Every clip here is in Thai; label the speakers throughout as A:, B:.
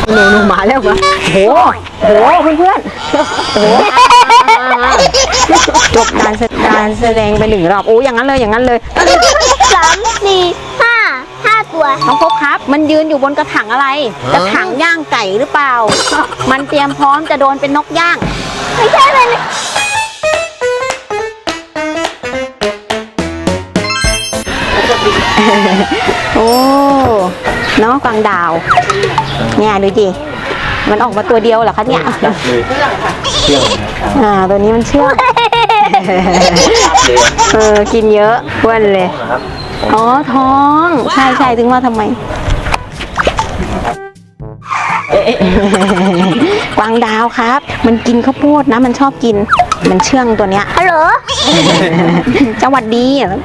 A: หนูมาแล้ววะโหเพื่อนๆโหจบการแสดงไป1 รอบโอ้อย่างนั้นเลย
B: 3 4 5ตัว
A: น้องพบครับมันยืนอยู่บนกระถางอะไรกระถางย่างไก่หรือเปล่ามันเตรียมพร้อมจะโดนเป็นนกย่าง
B: ไม่ใช่เลย
A: โอ้เนาะกวางดาวเนี่ยดูดิมันออกมาตัวเดียวเหรอคะเนี่ยตัวนี้มันเชื่องกินเยอะอ้วนเลยอ๋อท้องใช่ถึงว่าทำไมกวางดาวครับมันกินข้าวโพดนะมันชอบกินมันเชื่องตัวเนี้ย
B: ฮัลโหล
A: สวัสดี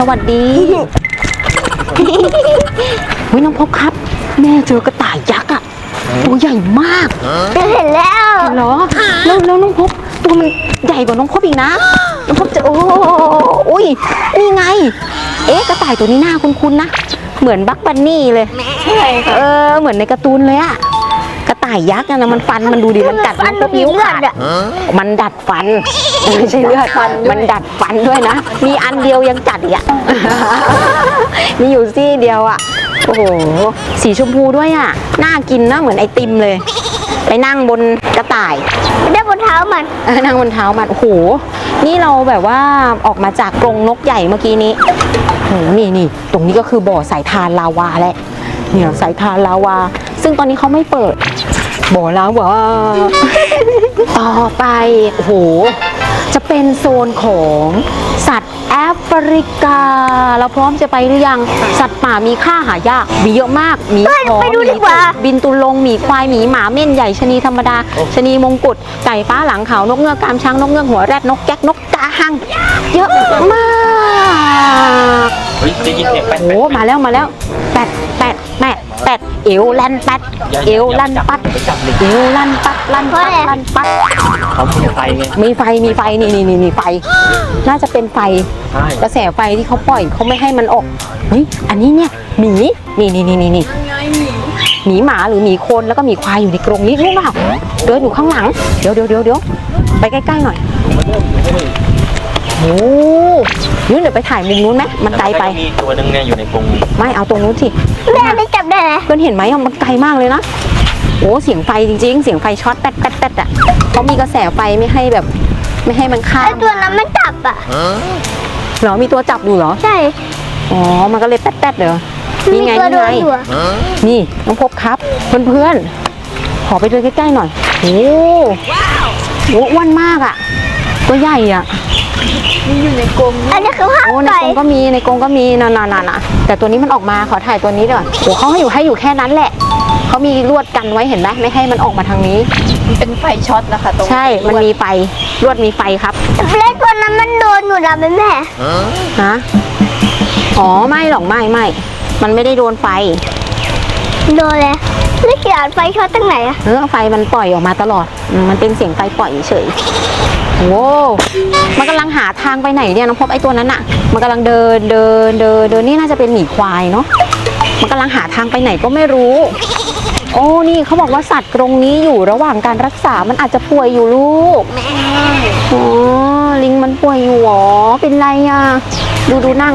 A: เฮ้ยน้องพบครับแม่เจอกระต่ายยักษ์อ่ะตัวใหญ่มาก
B: เห็นแล้ว
A: เหรอแล้วน้องพบตัวมันใหญ่กว่าน้องพบอีกนะน้องพบจะโอ้ยนี่ไงกระต่ายตัวนี้หน้าคุ้นๆนะเหมือนบักบันนี่เลยเหมือนในการ์ตูนเลยอะกระต่ายยักษ์นะมันฟันมันดูดิมันกัดมันก็นิ้วขาดมันดัดฟันไม่ใช่เลือดฟันมันดัดฟันด้วยนะมีอันเดียวยังจัดอีกอะมีอยู่ซี่เดียวอะโอ้โหสีชมพูด้วยอะน่ากินนะเหมือนไอติมเลยไปนั่งบนกระต่าย
B: ได้บนเท้ามัน
A: นั่งบนเท้ามันโอ้โหนี่เราแบบว่าออกมาจากกรงนกใหญ่เมื่อกี้นี้โอ้โหนี่ตรงนี้ก็คือบ่อสายทานลาวาแหละเนี่ยสายทานลาวาซึ่งตอนนี้เขาไม่เปิดบ่อลาวาต่อไปโอ้โหจะเป็นโซนของสัตว์แอฟริกาเราพร้อมจะไปหรือยังสัตว์ป่ามีค่าหายากมีเยอะมากหมีขอหมีบินตุลงหมีควายหมีหมาเม่นใหญ่ชะนีธรรมดาชะนีมงกุฎไก่ฟ้าหลังขาวนกเงือกกามช้างนกเงือกหัวแรดนกแก๊กนกกาหังเยอะมากโอ้มาแล้วแปดเอวลันปัดเอวลันปัดเอวลันปัดลันปัด
C: เขามีไฟไง
A: มีไฟนี่ไฟน่าจะเป็นไฟกระแสไฟที่เขาปล่อยเขาไม่ให้มันออกเฮ้ยอันนี้เนี่ยหมีนี่หมีหมาหรือหมีคนแล้วก็หมีควายอยู่ในกรงนี้รู้เปล่าเดินอยู่ข้างหลังเดี๋ยวไปใกล้ๆหน่อยโอ้ยเดี๋ยวไปถ่ายมุมนู้นไหมมันไกลไป
C: มีตัวนึงเนี่ยอยู่ในกรง
A: ไม่เอาตรงนู้นสิ
B: แม่ได้จับได้ไหม
A: เพื่อนเห็นไหมมันไกลมากเลยนะโอ้เสียงไฟจริงๆเสียงไฟช็อตแป๊ดอ่ะเขามีกระแสไฟไม่ให้มันข้าม
B: ไอตัวนั้นมันจับอ่ะ
A: เหรอมีตัวจับอยู่เหรอ
B: ใช่
A: อ๋อมันก็เลยแป๊ดเหรอนี่ไงนี่น้องพบครับเพื่อนขอไปดูใกล้ๆหน่อยโอ้อ้วนมากอ่ะตัวใหญ่อ่ะ
B: มีอยู่ในกรงอันนี้คือห้างไก่
A: ในกรงก็มีนานแต่ตัวนี้มันออกมาขอถ่ายตัวนี้ด้วยโอ้เขาให้อยู่แค่นั้นแหละเขามีลวดกันไว้เห็นไหมไม่ให้มันออกมาทางนี้
D: มันเป็นไฟช็อตนะคะตรง
A: ใช่มันมีไฟลวดมีไฟครับ
B: เล็กตัวนั้นมันโดนอยู่แล้วแม่
A: ฮะอ๋อไม่หรอกไม่มันไม่ได้โดนไฟ
B: โดนเลยแล้วเขียนไฟช็อตตั้งไหนอะ
A: ไฟมันปล่อยออกมาตลอดมันเป็นเสียงไฟปล่อยเฉยโว้มันกำลังหาทางไปไหนเนี่ยน้องพบไอ้ตัวนั้นอะมันกำลังเดินนี่น่าจะเป็นหมีควายเนาะมันกำลังหาทางไปไหนก็ไม่รู้โอ้นี่เขาบอกว่าสัตว์กรงนี้อยู่ระหว่างการรักษามันอาจจะป่วยอยู่ลูกอ๋อลิงมันป่วยอยู่หรอเป็นไรอะดูนั่ง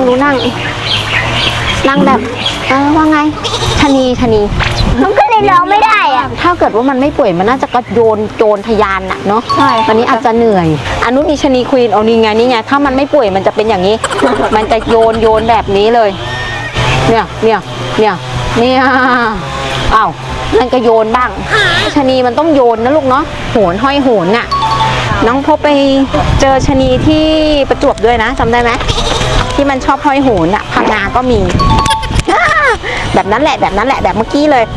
A: แบบว่าไงชะนี
B: มันก็เลยร้องไม่ได้อะ
A: ถ้าเกิดว่ามันไม่ป่วยมันน่าจะกระโจนทะยานน่ะเนาะ
D: ใช่
A: ตอนนี้อาจจะเหนื่อยอนุมีชะนีควีนเอานี่ไงถ้ามันไม่ป่วยมันจะเป็นอย่างนี้ มันจะโยนแบบนี้เลยเนี่ยอ้าวนั่นก็โยนบ้างชะนีมันต้องโยนนะลูกเนาะโหนห้อยโหนน่ะน้องพบไปเจอชะนีที่ประจวบด้วยนะจำได้ไหมที่มันชอบห้อยโหนน่ะพังงาก็มีแบบนั้นแหละแบบเมื่อกี้เลย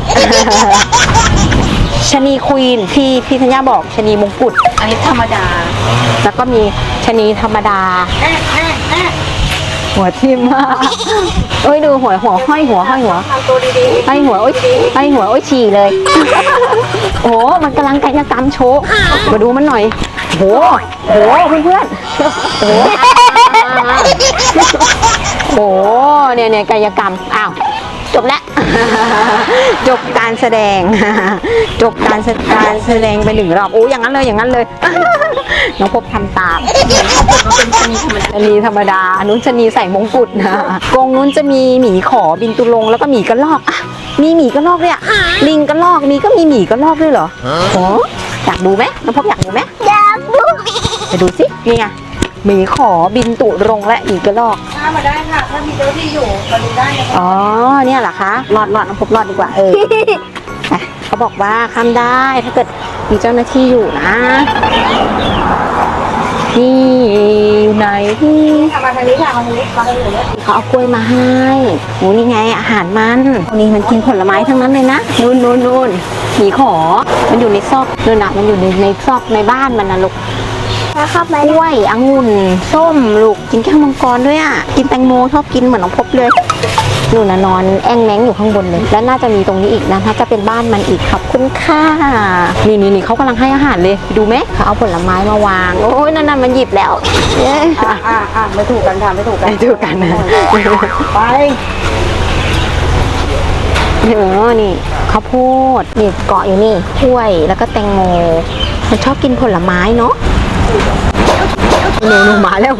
A: ชะนีควีนที่พี่ธัญญาบอกชะนีมงกุฎ
D: อันนี้ธรรมดา
A: แล้วก็มีชะนีธรรมดาหัวทิ่มมากดูหัวห้อยหัวห้อยหัวโอ้ยฉี่เลยโอ้มันกำลังกายกรรมโชว์มาดูมันหน่อยโหเพื่อนโอ้เนี่ยกายกรรมอ้าวจบแล้ว จบการแสดง จบการแสดงไป1 รอบโอ้อย่างนั้นเลยอย่างนั้นเลย น้องพบทำตามชะนีธรรมดานุ้นชะนีใส่มงกุฎนะกรงนู้นจะมีหมีขอบินตุลงแล้วก็หมีกระรอกอ่ะมีหมีกระรอกด้วยอ่ะลิงกระรอกมีก็มีหมีกระรอกด้วยเหรอโอ้อยากดูไหมน้องพบอยากดูไหม
B: อยากดู
A: ไปดูสินี่ไงหมีขอบินตุรงและหมีกระรอก
D: มาได้ค่ะ ถ้ามีเจ้าที่อยู่มาดูได้นะคะ
A: อ๋อเนี่ยเหรอคะรอดน้องพบรอดดีกว่าไปเขาบอกว่าข้ามได้ถ้าเกิดมีเจ้าหน้าที่อยู่นะนี่อยู่ไหนที่
D: มาทางนี้ค่ะมาทางนี้มาทางนี้เลย
A: เขาเอากล้วยมาให้โหนี่ไงอาหารมันนี่มันกินผลไม้ทั้งนั้นเลยนะนู่นหมีขอมันอยู่ในซอกนู่นน่ะมันอยู่ในซอกในบ้านมันนะลูก
B: แล้วเข้าไป
A: กล้วยองุ่นส้มลูกกินแก้วมังกรด้วยอ่ะกินแตงโมชอบกินเหมือนน้องพบเลยนู่นน่ะนอนแอ่งแมงอยู่ข้างบนเลยและน่าจะมีตรงนี้อีกนะถ้าจะเป็นบ้านมันอีกขอบคุณค่ะนี่เขากำลังให้อาหารเลยดูไหมเขาเอาผลไม้มาวางโอ้ยนั่นมันหยิบแล้วเย้
D: ไม่ถูกกันค่ะไม่ถูกกัน
A: ไปดูกันนะ
D: ไป
A: นี่ข้าวโพดนี่เกาะอยู่นี่กล้วยแล้วก็แตงโมมันชอบกินผลไม้เนาะหนูมาแล้ว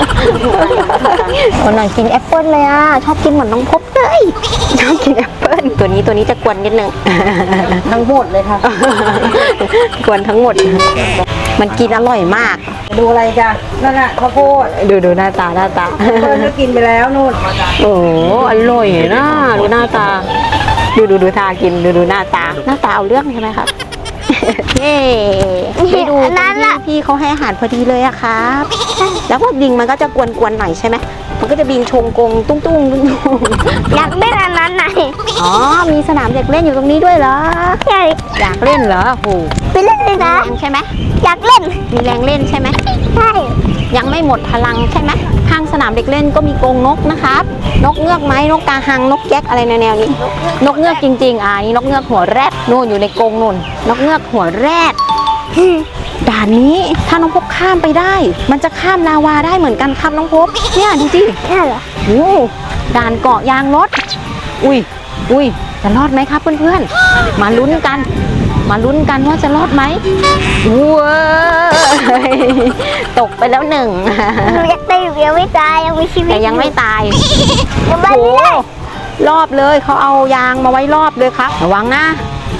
A: คนหน่อยกินแอปเปิ้ลเลยอ่ะชอบกินเหมือนน้องพบเลยชอบกินแอปเปิ้ลตัวนี้จะกวนนิดนึง
D: ทั้งหมดเลยค่ะ
A: กวนทั้งหมด มันกินอร่อยมาก
D: ดูอะไรจ้ะนั่นน่ะข้าวโพด
A: ดูหน้าตา
D: เพิ่นก็กินไปแล้วนู่น
A: โอ้อร่อยนะดูหน้าตาดูท่ากินดูหน้าตาเอาเรื่องใช่ไหมครับ เย้ไปดูตรงที่พี่เขาให้อาหารพอดีเลยอะครับ แล้วพวกบิงมันก็จะกวนหน่อยใช่ไหมมันก็จะบิงชงกงตุ้ง
B: อยากเล่นอันนั้นไหน
A: อ๋อมีสนามเด็กเล่นอยู่ตรงนี้ด้วยเหรอ
B: ใช่
A: อยากเล่นเหรอโห
B: ไปเล่นเลย
A: แร
B: นะ
A: งใช่ไหม
B: อยากเล่น
A: มีแรงเล่นใช่ไหม
B: ใช่
A: ยังไม่หมดพลังใช่ไหมข้างสนามเด็กเล่นก็มีกรงนกนะครับนกเงือกไหมนกกาหังนกแก๊กอะไรแนวๆนี้นกเงือกจริงๆนี่นกเงือกหัวแรดนู่นอยู่ในกรงนู่นนกเงือกหัวแรดด่านนี้ถ้าน้องพบข้ามไปได้ มันจะข้ามลาวาได้เหมือนกันครับน้องพบเนี่ยดูสิ
B: ใช่เหรอ
A: โอ้ด่านเกาะยางรถอุ้ยจะรอดไหมครับเพื่อนๆมาลุ้นกันว่าจะรอดไหมว้ายตกไปแล้ว1
B: หนูอยากได้อยู่ยังไม่ตายยังมีชีวิต
A: แต่ยังไม่ตาย
B: ยังไม่
A: โอ้
B: ได้
A: รอบเลยเขาเอายางมาไว้รอบเลยครับระวังนะ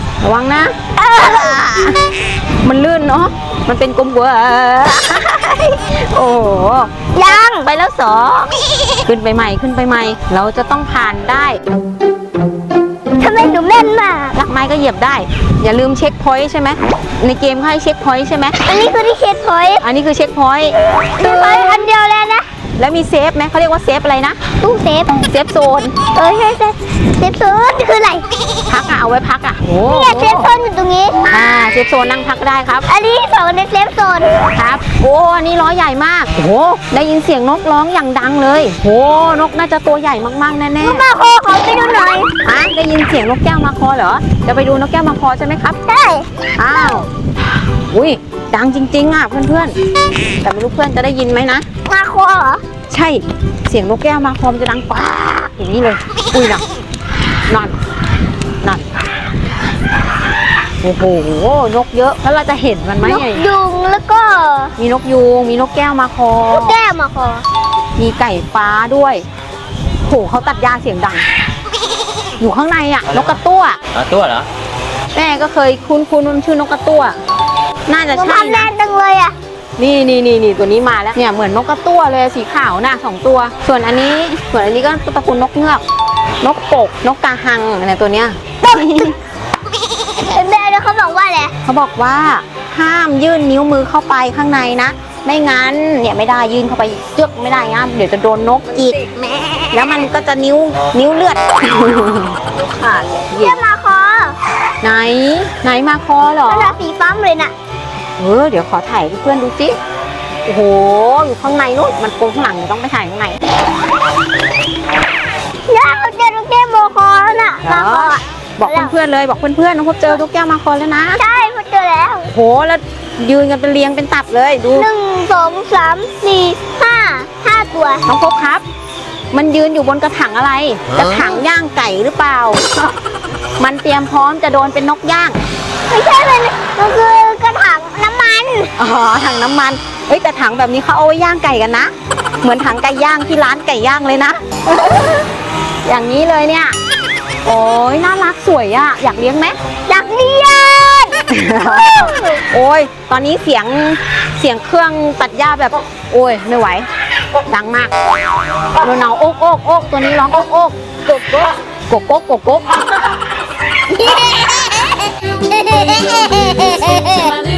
A: มันลื่นเนาะมันเป็นกลมหัวโอ้โห
B: ยัง
A: ไปแล้ว2ขึ้นไปใหม่เราจะต้องผ่านได้
B: ทำไมหนูแม่นมาก
A: ลักไม้ก็เหยียบได้ อย่าลืมเช็คพอยต์ใช่ไหมในเกมเขาให้เช็คพอยต์ใช่ไหม
B: อันนี้คือที่เคสพอยต์
A: อันนี้คือเช็คพอยต์
B: เคสพอยต์อันเดียวแล้วนะ
A: แล้วมีเซฟไหมเขาเรียกว่าเซฟอะไรนะ
B: ตู้เซฟ
A: เซฟโซน
B: ใช่เซฟโซนคืออะไร
A: พักเอาไว้พักโอ้
B: เนี่ยเซฟโซนอยู่ตรงนี้
A: เซฟโซนนั่งพักได้ครับ
B: อันนี้2ในเซฟโซน
A: ครับโอ้อันนี้ล้อใหญ่มากโอ้โหได้ยินเสียงนกร้องอย่างดังเลยโอ้นกน่าจะตัวใหญ่มากๆแน่
B: มาโคขอไปดูหน่อย
A: ๆได้ยินเสียงนกแก้วมาคอเหรอจะไปดูนกแก้วมาคอใช่ไหมครับ
B: ใช่
A: อ้าวอุ้ยดังจริงๆเพื่อนๆแต่ไม่รู้เพื่อนจะได้ยินไหมนะ
B: มาโคเหรอ
A: ใช่เสียงนกแก้วมาคอมจะดังป๊ากอย่างนี้เลยอุ้ยนั่นโอ้โหนกเยอะแล้วเราจะเห็นมันไหม
B: นกยุงแล้วก็
A: มีนกยูงมีนกแก้วมาคอ
B: นกแก้วมาโค
A: มีไก่ฟ้าด้วยโหเขาตัดหญ้าเสียงดัง อยู่ข้างในนกกระตั้ว
C: ตัวเหรอ
A: แม่ก็เคยคุ้นมันชื่อนกกระตั้วน่าจะ
B: หนู
A: ใช่
B: ทำแน่
A: นะ
B: นจังเลยอ่ะ
A: นี่ตัวนี้มาแล้วเนี่ยเหมือนนกกระตั้วเลยสีขาวน่ะ2 ตัว ส่วนอันนี้ก็ตระกูลนกเงือกนกกกนกกาหังอะไรตัวเนี้ย
B: แม่เขาบอกว่าอะไร
A: เขาบอกว่าห้ามยื่นนิ้วมือเข้าไปข้างในนะไม่งั้นเนี่ยไม่ได้ยื่นเข้าไปจึ๊กไม่ได้นะเดี๋ยวจะโดนนกจิกแล้วมันก็จะนิ้วเลือดขาด
B: แก้วมาโค
A: ไหนมาคอเหรอ
B: มันสีฟ้าเลยน่ะ
A: เดี๋ยวขอถ่ายให้เพื่อนดูสิโอ้โหอยู่ข้างในนู้นมันโกงข้างหลังเดี๋ยวต้องไปถ่ายข้างใน
B: ย่าเขาเจอนกแก้วมาโคแล้วน่ะมาโคอ่ะ
A: บอกเพื่อนๆเลยบอกเพื่อนๆน้องพบเจอนกแก้วมาคอแล้วนะ
B: ใช่เขาเจอแล้ว
A: โอ้โหแล้วยืนกันเป็นเรียงเป็นตับเลยดู
B: 1 2 3 4 5 5 ตัว
A: น้องพบครับมันยืนอยู่บนกระถางอะไร กระถางย่างไก่หรือเปล่า มันเตรียมพร้อมจะโดนเป็นนกย่าง
B: ไม่ใช่มันคือกระถางน้ำมัน
A: อ๋อถังน้ำมันเฮ้ยแต่ถังแบบนี้เขาเอาไว้ย่างไก่กันนะ เหมือนถังไก่ย่างที่ร้านไก่ย่างเลยนะ อย่างนี้เลยเนี่ย โอ้ยน่ารักสวยอะอยากเลี้ยงไหม
B: อยากเรียน
A: โอ้ยตอนนี้เสียงเครื่องตัดหญ้าแบบ โอ้ยไม่ไหว ดังมากโนเอาโอ๊กโอ๊กโอ๊กตัวนี้ร้องโอ๊กโอ๊กโกกโกกโกกโกกโกก